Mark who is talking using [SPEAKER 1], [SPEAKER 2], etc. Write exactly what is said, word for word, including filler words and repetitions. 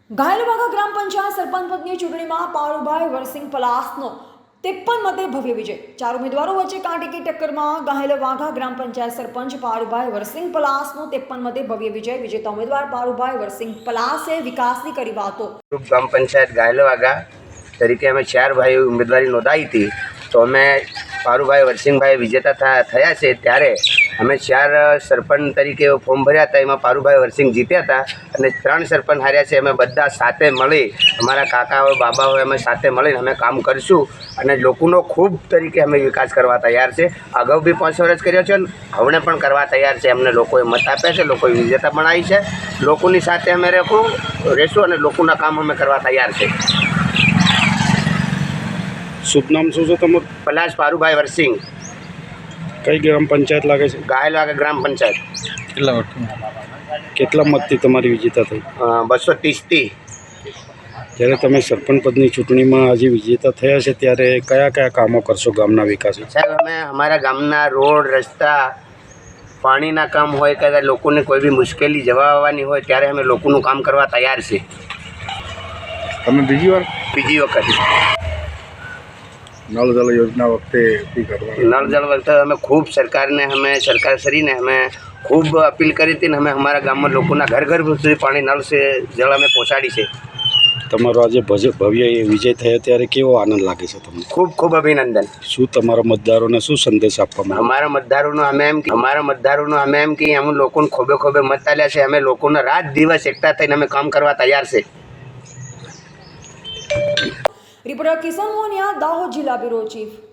[SPEAKER 1] ઘાયલવાગા ગ્રામ પંચાયત સરપંચ પદની ચૂંટણીમાં પારુભાઈ વરસિંગ પલાસનો ત્રેપન મતે ભવ્ય વિજય। ચાર ઉમેદવારો વચ્ચે કાંટેકી ટક્કરમાં ઘાયલવાગા ગ્રામ પંચાયત સરપંચ પારુભાઈ વરસિંગ પલાસનો ત્રેપન મતે ભવ્ય વિજય। વિજેતા ઉમેદવાર પારુભાઈ વરસિંગ પલાસે વિકાસની કરી વાતો।
[SPEAKER 2] ગ્રામ પંચાયત ઘાયલવાગા તરીકે અમે ચાર ભાઈ ઉમેદવારી નોંધાવી હતી, તો અમે પારુભાઈ વરસિંગભાઈ વિજેતા થયા છે। ત્યારે અમે ચાર સરપંચ તરીકે ફોર્મ ભર્યા હતા, એમાં પારુભાઈ વરસિંગ જીત્યા હતા અને ત્રણ સરપંચ હાર્યા છે। અમે બધા સાથે મળી, અમારા કાકા હોય બાબા હોય, અમે સાથે મળીને અમે કામ કરીશું અને લોકોનો ખૂબ તરીકે અમે વિકાસ કરવા તૈયાર છે। અગાઉ બી પાંચ વર્ષ કર્યો છે અને હવે પણ કરવા તૈયાર છે। અમને લોકોએ મત આપ્યા છે, લોકોએ વિજેતા બનાવી છે। લોકોની સાથે અમે રહેશું રહેશું અને લોકોના કામ અમે કરવા તૈયાર છે।
[SPEAKER 3] શુભ નામ શું છે તમારું?
[SPEAKER 2] પલાસ પારુભાઈ વરસિંગ।
[SPEAKER 3] કઈ ગ્રામ પંચાયત લાગે છે?
[SPEAKER 2] ઘાયલવાગા ગ્રામ પંચાયત।
[SPEAKER 3] કેટલા વોટ કેટલા મતથી તમારી વિજેતા થઈ?
[SPEAKER 2] બસો ત્રીસથી।
[SPEAKER 3] જ્યારે તમે સરપંચ પદની ચૂંટણીમાં આજે વિજેતા થયા છે, ત્યારે કયા કયા કામો કરશો ગામના વિકાસ?
[SPEAKER 2] સાહેબ, અમે અમારા ગામના રોડ રસ્તા પાણીના કામ હોય કે લોકોને કોઈ બી મુશ્કેલી જવા આવવાની હોય ત્યારે અમે લોકોનું કામ કરવા તૈયાર છે।
[SPEAKER 3] તમે બીજી વાર
[SPEAKER 2] બીજી વખત
[SPEAKER 3] નળ જળ યોજના વખતે બી કરવા
[SPEAKER 2] નળ જળ વખતે અમે ખૂબ સરકારને અમે સરકારશ્રીને અમે ખૂબ અપીલ કરી હતી ને અમે અમારા ગામમાં લોકોના ઘર ઘર સુધી પાણી નળ છે જળ અમે પહોંચાડી છે।
[SPEAKER 3] તમારો આજે ભવ્ય વિજય થયો ત્યારે કેવો આનંદ લાગે છે તમને?
[SPEAKER 2] ખૂબ ખૂબ અભિનંદન।
[SPEAKER 3] શું તમારા મતદારોને શું સંદેશ આપવામાં?
[SPEAKER 2] અમારા મતદારોનો અમે એમ અમારા મતદારોનો અમે એમ કે અમે લોકોને ખોબે ખોબે મત આલ્યા છે। અમે લોકોને રાત દિવસ એકઠા થઈને અમે કામ કરવા તૈયાર છે।
[SPEAKER 1] રિપોર્ટર કિશન મોનિયા, દાહોદ જિલ્લા બ્યુરો ચીફ।